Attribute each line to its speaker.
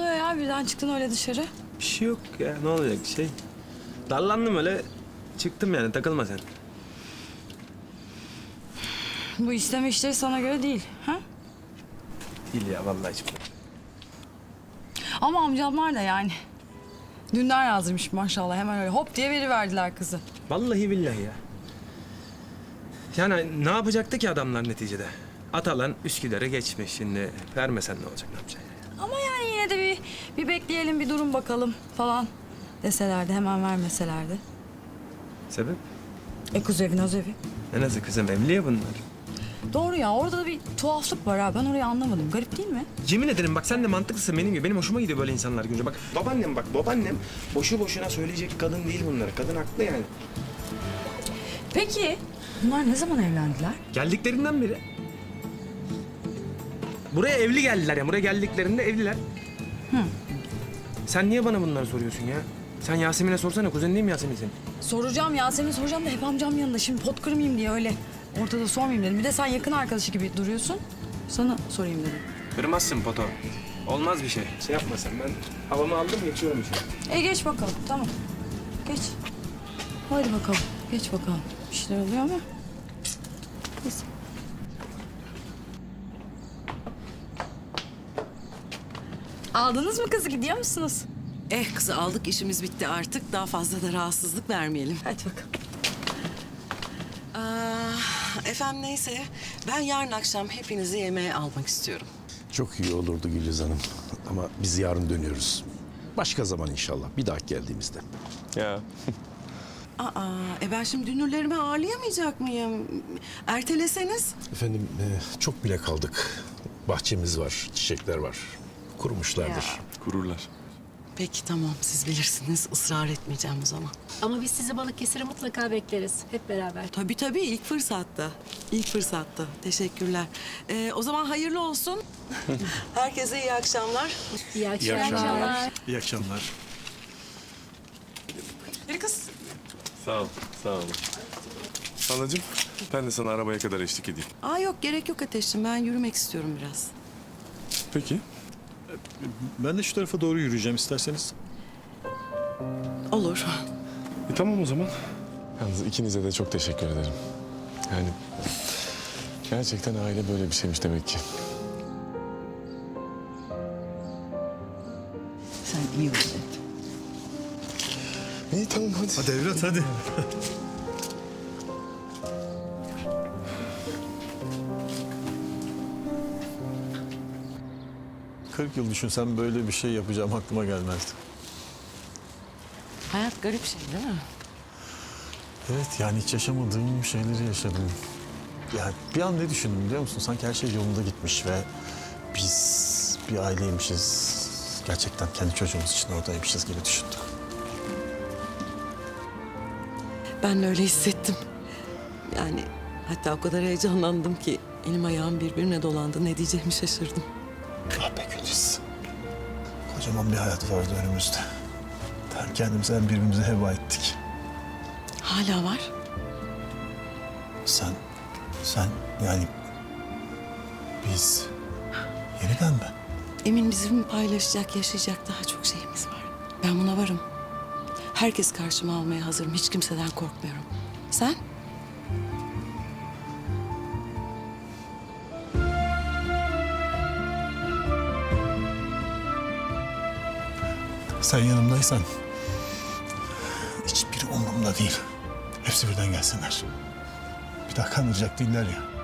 Speaker 1: oluyor ya? Birden çıktın öyle dışarı.
Speaker 2: Bir şey yok ya, ne olacak şey. Dallandım öyle, çıktım yani, takılma sen.
Speaker 1: Bu isteme işleri sana göre değil. Ha?
Speaker 2: Değil ya, vallahi hiç.
Speaker 1: Ama amcamlar da yani. Dünden yazdırmış maşallah, hemen öyle hop diye veriverdiler kızı.
Speaker 2: Vallahi billahi ya. Yani ne yapacaktı ki adamlar neticede? Atalan Üsküdar'ı geçmiş şimdi. Vermesen ne olacak, ne yapacaksın?
Speaker 1: Ama yani yine de bir bekleyelim, bir durum bakalım falan deselerdi, hemen vermeselerdi.
Speaker 2: Sebep?
Speaker 1: Kuzevi, nazevi.
Speaker 2: Ne nasıl kızım, evli ya bunlar.
Speaker 1: Doğru ya, orada da bir tuhaflık var ha. Ben orayı anlamadım. Garip değil mi?
Speaker 2: Yemin ederim bak, sen de mantıklısın benim gibi. Benim hoşuma gidiyor böyle insanlar görünce. Bak babaannem boşu boşuna söyleyecek kadın değil bunlar. Kadın haklı yani.
Speaker 1: Peki bunlar ne zaman evlendiler?
Speaker 2: Geldiklerinden beri. Buraya evli geldiler ya. Buraya geldiklerinde evliler. Sen niye bana bunları soruyorsun ya? Sen Yasemin'e sorsana. Kuzenin değil mi Yasemin senin?
Speaker 1: Soracağım Yasemin, soracağım da hep amcam yanında. Şimdi pot kırmayayım diye öyle ortada sormayayım dedim. Bir de sen yakın arkadaşı gibi duruyorsun. Sana sorayım dedim.
Speaker 2: Kırmazsın poto. Olmaz bir şey. Şey yapma sen. Ben havamı aldım, geçiyorum işte.
Speaker 1: Geç bakalım, tamam. Geç. Hadi bakalım, geç bakalım. Bir şeyler oluyor ama. Neyse. Aldınız mı kızı, gidiyor musunuz?
Speaker 3: Kızı aldık, işimiz bitti artık. Daha fazla da rahatsızlık vermeyelim.
Speaker 1: Hadi bakalım.
Speaker 3: Efendim neyse, ben yarın akşam hepinizi yemeğe almak istiyorum.
Speaker 4: Çok iyi olurdu Güliz Hanım. Ama biz yarın dönüyoruz. Başka zaman inşallah. Bir daha geldiğimizde.
Speaker 2: Ya.
Speaker 3: Ben şimdi dünürlerimi ağırlayamayacak mıyım? Erteleseniz.
Speaker 4: Efendim çok bile kaldık. Bahçemiz var, çiçekler var. Kurumuşlardır.
Speaker 2: Kururlar.
Speaker 3: Peki tamam, siz bilirsiniz. Israr etmeyeceğim o zaman.
Speaker 5: Ama biz sizi Balıkesir'e mutlaka bekleriz. Hep beraber.
Speaker 3: Tabii ilk fırsatta. İlk fırsatta. Teşekkürler. O zaman hayırlı olsun. Herkese iyi akşamlar.
Speaker 5: İyi akşamlar.
Speaker 6: İyi akşamlar.
Speaker 3: Bir kız.
Speaker 6: Sağ ol, sağ ol. Anacığım, ben de sana arabaya kadar eşlik edeyim.
Speaker 3: Yok gerek yok Ateş'im. Ben yürümek istiyorum biraz.
Speaker 6: Peki.
Speaker 7: Ben de şu tarafa doğru yürüyeceğim isterseniz.
Speaker 3: Olur.
Speaker 6: Tamam o zaman. Yalnız ikinize de çok teşekkür ederim. Yani gerçekten aile böyle bir şeymiş demek ki.
Speaker 3: Sen iyi ol.
Speaker 6: İyi tamam hadi.
Speaker 7: Hadi evlat hadi. ...40 yıl düşünsem böyle bir şey yapacağım aklıma gelmezdi.
Speaker 3: Hayat garip şey değil mi?
Speaker 7: Evet yani hiç yaşamadığım şeyleri yaşadım. Yani bir an ne düşündüm biliyor musun? Sanki her şey yolunda gitmiş ve biz bir aileymişiz. Gerçekten kendi çocuğumuz için oradaymışız gibi düşündüm.
Speaker 3: Ben de öyle hissettim. Yani hatta o kadar heyecanlandım ki elim ayağım birbirine dolandı. Ne diyeceğimi şaşırdım.
Speaker 7: Ah be Güliz. Kocaman bir hayat vardı önümüzde. Hem kendimize hem birbirimize heba ettik.
Speaker 3: Hala var.
Speaker 7: Sen yani biz yeniden mi?
Speaker 3: Emin bizim paylaşacak, yaşayacak daha çok şeyimiz var. Ben buna varım. Herkes karşıma almaya hazırım. Hiç kimseden korkmuyorum. Sen?
Speaker 7: Sen yanımdaysan hiçbiri umurumda değil. Hepsi birden gelsinler. Bir daha kandıracak değiller ya.